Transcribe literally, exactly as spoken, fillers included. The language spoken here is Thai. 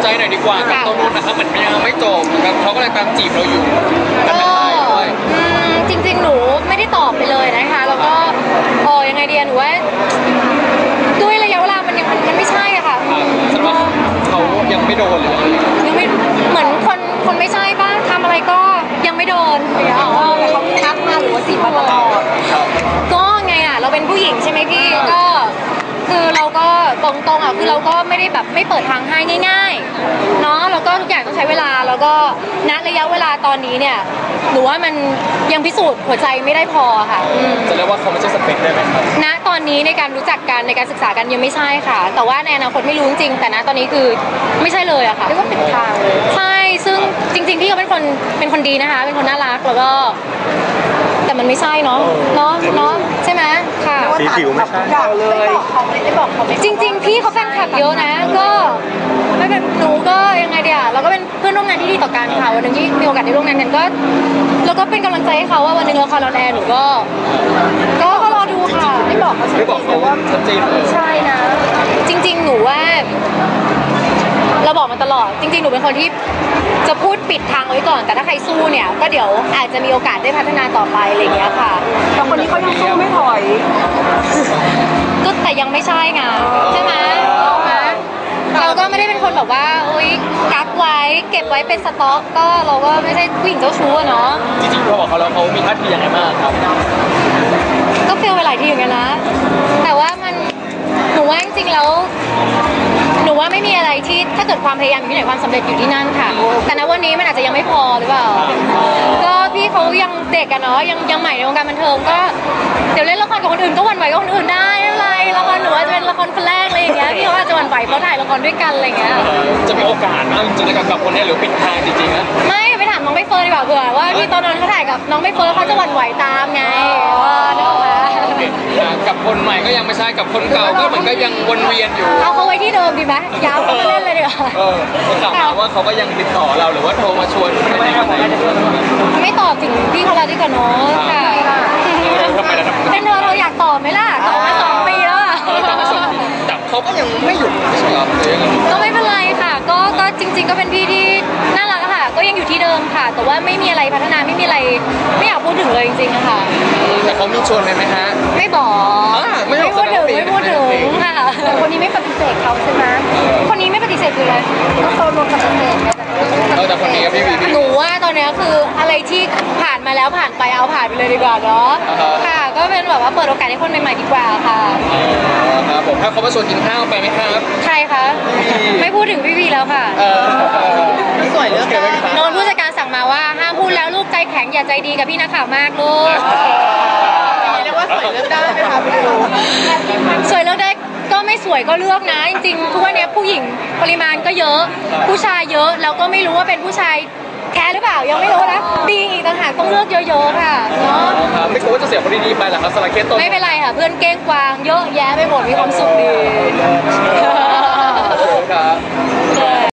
ใจหน่อยดีกว่ากับตัวนู้นนะครับมันยังไม่จบนะครับเขาก็เลยตามจีบเราอยู่ก็จริงๆหนูไม่ได้ตอบไปเลยนะคะแล้วก็โอ้ยังไงเดียหนูว่าด้วยระยะเวลามันยังมันไม่ใช่อะค่ะแสดงว่าเขายังไม่โดนเลยยังไม่เหมือนคนคนไม่ใช่ป่ะทำอะไรก็ยังไม่โดนแต่เขาทักมาหรือว่าจีบมาตลอดก็ไงอะเราเป็นผู้หญิงใช่ไหมพี่ก็คือเราก็ตรงๆอ่ะคือเราก็ไม่ได้แบบไม่เปิดทางให้ง่ายๆเนาะแล้วก็ทุกอย่างต้องใช้เวลาแล้วก็ณระยะเวลาตอนนี้เนี่ยหนูว่ามันยังพิสูจน์หัวใจไม่ได้พอค่ะจะเรียกว่าเขาไม่ใช่สเปคได้ไหมครับณตอนนี้ในการรู้จักกันในการศึกษากันยังไม่ใช่ค่ะแต่ว่าในอนาคตไม่รู้จริงแต่ณตอนนี้คือไม่ใช่เลยอะค่ะเรียกว่าเป็นทางเลยใช่ซึ่งจริงๆพี่เขาเป็นคนเป็นคนดีนะคะเป็นคนน่ารักแล้วก็แต่มันไม่ใช่เนาะเนาะเนาะใช่ไหมค่ะสีผิวไม่ใช่เลยไม่บอกเขาจริงๆพี่เขาแฟนคลับเยอะนะก็ไม่เป็นหนูก็ยังไงเดียวเราก็เป็นเพื่อนร่วมงานที่ดีต่อกันค่ะวันหนึ่งที่มีโอกาสได้ร่วมงานกันก็แล้วก็เป็นกำลังใจให้เขาว่าวันหนึ่งละครออนแอร์หนูก็ก็ก็รอดูค่ะไม่บอกเขาไม่บอกเขาว่าชัดเจนเลยใช่นะจริงๆหนูว่าเราบอกมันตลอดจริงๆหนูเป็นคนที่จะพูดปิดทางไว้ก่อนแต่ถ้าใครสู้เนี่ยก็เดี๋ยวอาจจะมีโอกาสได้พัฒนาต่อไปอะไรอย่างเงี้ยค่ะแต่คนนี้เขายังสู้ไม่ถอยก็แต่ยังไม่ใช่ไงใช่ไหมเราก็ไม่ได้เป็นคนแบบว่าโอ๊ยกักไว้เก็บไว้เป็นสต็อกก็เราก็ไม่ใช่ผู้หญิงเจ้าชู้เนาะจริงๆพอบอกเขาแล้วเขามีท่าทียังไงบ้างครับก็เฟลไปหลายทีอยู่กันนะแต่ว่ามันหนูว่าจริงๆแล้วหนูว่าไม่มีอะไรที่ถ้าเกิดความพยายามอยู่ที่ไหนความสำเร็จอยู่ที่นั่นค่ะแต่ณวันนี้มันอาจจะยังไม่พอหรือเปล่าก็พี่เขายังเด็กกันเนาะยังยังใหม่ในวงการบันเทิงก็เดี๋ยวเล่นละครกับคนอื่นก็หวั่นไหวกับคนอื่นได้ไม่เป็นไรละครหนูอาจจะเป็นละครคนแรกอะไรอย่างเงี้ยพี่เขาอาจจะหวั่นไหวเพราะถ่ายละครด้วยกันอะไรเงี้ยจะมีโอกาสนะจริงๆกับคนนี้หรือปิดทางจริงๆนะไม่ไปถามน้องใบเฟิร์นดีกว่าเผื่อว่าพี่ตอนนั้นเขาถ่ายกับน้องใบเฟิร์นเขาจะหวั่นไหวตามไงนึกออกไหมกับคนใหม่ก็ยังไม่ใช่กับคนเก่าก็เหมือนก็ยังวนเวียนอยู่เอาเขาไว้ที่เดิมดีไหมยาวเขามาเล่นเลยดีกว่าเออคนถามว่าเขาก็ยังติดต่อเราหรือว่าโทรมาชวนไม่ได้ไม่ตอบถึงพี่เขาแล้วดีกว่าเนาะค่ะเป็นเธอเราอยากตอบไหมล่ะตอบมาสองปีแล้วอ่ะแต่เขาก็ยังไม่หยุดใช่ไหมครับก็ไม่เป็นไรค่ะก็ก็จริงๆก็เป็นพี่ที่น่ารักค่ะก็ยังอยู่ที่เดิมค่ะแต่ว่าไม่มีอะไรพัฒนาไม่มีอะไรไม่อยากพูดถึงเลยจริงๆค่ะแต่เขามีชวนไหมฮะไม่บอกไม่พูดถึงไม่พูดถึงค่ะแต่คนนี้ไม่ปฏิเสธเขาใช่ไหมคนนี้ไม่ปฏิเสธคืออะไรก็โซนรวมปฏิเสธเออแต่คนนี้ก็ไม่มีหนูว่าตอนนี้คืออะไรที่ผ่านมาแล้วผ่านไปเอาผ่านไปเลยดีกว่าเนาะค่ะก็เป็นแบบว่าเปิดโอกาสให้คนใหม่ๆดีกว่าค่ะครับผมถ้าเขามาชวนกินข้าวไปไหมครับใครคะไม่พูดถึงพี่วีแล้วค่ะสวยเลือกโดนผู้จัดการสั่งมาว่าห้ามพูดแล้วลูกใจแข็งอย่าใจดีกับพี่นักข่าวมากลูกเรียกว่าสวยเลือกได้ไหมคะพี่ดูสวยเลือกได้ก็ไม่สวยก็เลือกนะจริงๆทุกวันนี้ผู้หญิงปริมาณก็เยอะผู้ชายเยอะแล้วก็ไม่รู้ว่าเป็นผู้ชายแค่หรือเปล่ายังไม่รู้นะดีอีกต่างหากต้องเลือกเยอะๆค่ะเนาะไม่กลัวว่าจะเสียคนดีๆไปหรอครับสลาเคสต้นไม่เป็นไรค่ะเพื่อนเก้งกวางเยอะแยะไปหมดมีความสุขดี